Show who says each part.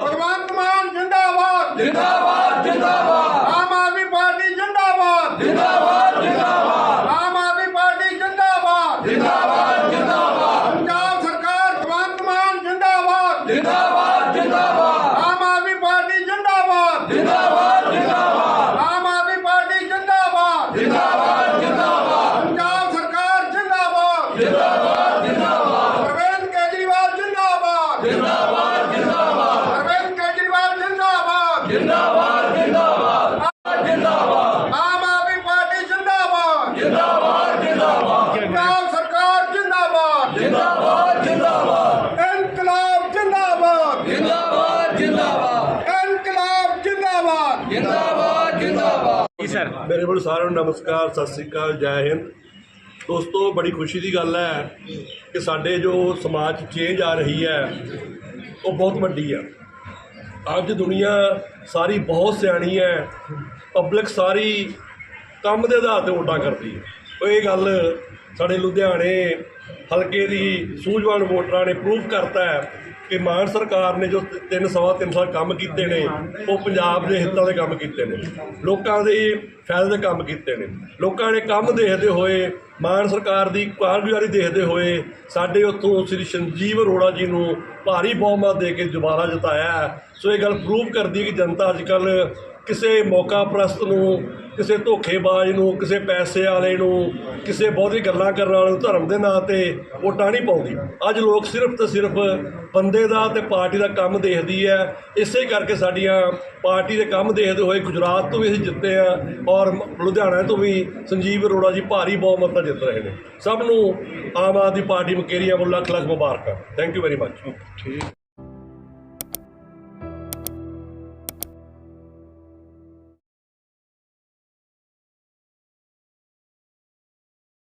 Speaker 1: भगवंत मान जिंदाबाद
Speaker 2: जिंदाबाद जिंदाबाद
Speaker 1: आम आदमी पार्टी जिंदाबाद
Speaker 2: जिंदाबाद जिंदाबाद
Speaker 1: आम आदमी पार्टी जिंदाबाद
Speaker 2: जिंदाबाद जिंदाबाद
Speaker 1: पंजाब सरकार भगवंत मान जिंदाबाद
Speaker 2: जिंदाबाद जिंदाबाद
Speaker 1: आम आदमी पार्टी जिंदाबाद
Speaker 2: जिंदाबाद जिंदाबाद
Speaker 1: आम आदमी पार्टी जिंदाबाद
Speaker 2: जिंदाबाद जिंदाबाद
Speaker 1: पंजाब सरकार जिंदाबाद
Speaker 2: जिंदाबाद जिंदाबाद
Speaker 1: अरविंद केजरीवाल जिंदाबाद
Speaker 2: जिंदाबाद जिंदाबाद
Speaker 1: अरविंद केजरीवाल जिंदाबाद
Speaker 2: जिंदाबाद जिंदाबाद जिंदाबाद
Speaker 1: आम आदमी पार्टी जिंदाबाद
Speaker 2: जिंदाबाद जिंदाबाद
Speaker 1: पंजाब सरकार जिंदाबाद
Speaker 2: जिंदाबाद जिंदाबाद
Speaker 1: इनकलाब जिंदाबाद
Speaker 2: जिंदाबाद जिंदाबाद
Speaker 1: इनकलाब जिंदाबाद
Speaker 2: जिंदाबाद जिंदाबाद
Speaker 3: ਮੇਰੇ ਵੱਲ ਸਾਰਿਆਂ ਨੂੰ ਨਮਸਕਾਰ, ਸਤਿ ਸ੍ਰੀ ਅਕਾਲ, ਜੈ ਹਿੰਦ। ਦੋਸਤੋ, ਬੜੀ ਖੁਸ਼ੀ ਦੀ ਗੱਲ ਹੈ ਕਿ ਸਾਡੇ ਜੋ ਸਮਾਜ 'ਚ ਚੇਂਜ ਆ ਰਹੀ ਹੈ ਉਹ ਬਹੁਤ ਵੱਡੀ ਹੈ। ਅੱਜ ਦੁਨੀਆ ਸਾਰੀ ਬਹੁਤ ਸਿਆਣੀ ਹੈ, ਪਬਲਿਕ ਸਾਰੀ ਕੰਮ ਦੇ ਆਧਾਰ 'ਤੇ ਵੋਟਾਂ ਕਰਦੀ ਹੈ। ਉਹ ਇਹ ਗੱਲ ਸਾਡੇ ਲੁਧਿਆਣੇ ਹਲਕੇ ਦੀ ਸੂਝਵਾਨ ਵੋਟਰਾਂ ਨੇ ਪ੍ਰੂਵ ਕਰਤਾ ਹੈ ਕਿ ਮਾਨ ਸਰਕਾਰ ਨੇ ਜੋ 3 ਸਾਲ ਕੰਮ ਕੀਤੇ ਨੇ ਉਹ ਪੰਜਾਬ ਦੇ ਹਿੱਤਾਂ ਦੇ ਕੰਮ ਕੀਤੇ ਨੇ, ਲੋਕਾਂ ਦੇ ਫਾਇਦੇ ਦੇ ਕੰਮ ਕੀਤੇ ਨੇ। ਲੋਕਾਂ ਨੇ ਕੰਮ ਦੇਖਦੇ ਹੋਏ, ਮਾਨ ਸਰਕਾਰ ਦੀ ਕਾਰਗੁਜ਼ਾਰੀ ਦੇਖਦੇ ਹੋਏ ਸਾਡੇ ਉੱਥੋਂ ਸ੍ਰੀ ਸੰਜੀਵ ਅਰੋੜਾ ਜੀ ਨੂੰ ਭਾਰੀ ਬਹੁਮਤ ਦੇ ਕੇ ਦੁਬਾਰਾ ਜਿਤਾਇਆ ਹੈ। ਸੋ ਇਹ ਗੱਲ ਪ੍ਰੂਵ ਕਰਦੀ ਹੈ ਕਿ ਜਨਤਾ ਅੱਜ ਕੱਲ੍ਹ ਕਿਸੇ ਮੌਕਾ ਪ੍ਰਸਤ ਨੂੰ, ਕਿਸੇ ਧੋਖੇਬਾਜ਼ ਨੂੰ, ਕਿਸੇ ਪੈਸੇ ਵਾਲੇ ਨੂੰ, ਕਿਸੇ ਬਹੁਤੀ ਗੱਲਾਂ ਕਰਨ ਵਾਲੇ ਨੂੰ ਧਰਮ ਦੇ ਨਾਂ 'ਤੇ ਵੋਟਾਂ ਨਹੀਂ ਪਾਉਂਦੀ। ਅੱਜ ਲੋਕ ਸਿਰਫ ਤੇ ਸਿਰਫ ਬੰਦੇ ਦਾ ਤੇ ਪਾਰਟੀ ਦਾ ਕੰਮ ਦੇਖਦੀ ਹੈ। ਇਸੇ ਕਰਕੇ ਸਾਡੀਆਂ ਪਾਰਟੀ ਦੇ ਕੰਮ ਦੇਖਦੇ ਹੋਏ ਗੁਜਰਾਤ ਤੋਂ ਵੀ ਅਸੀਂ ਜਿੱਤੇ ਹਾਂ ਔਰ ਲੁਧਿਆਣਾ ਤੋਂ ਵੀ ਸੰਜੀਵ ਅਰੋੜਾ ਜੀ ਭਾਰੀ ਬਹੁਮਤ ਨਾਲ ਜਿੱਤ ਰਹੇ ਨੇ। ਸਭ ਨੂੰ ਆਮ ਆਦਮੀ ਪਾਰਟੀ ਮਕੇਰੀਆਂ ਵੱਲੋਂ ਲੱਖ ਲੱਖ ਮੁਬਾਰਕਾਂ। Thank you very much.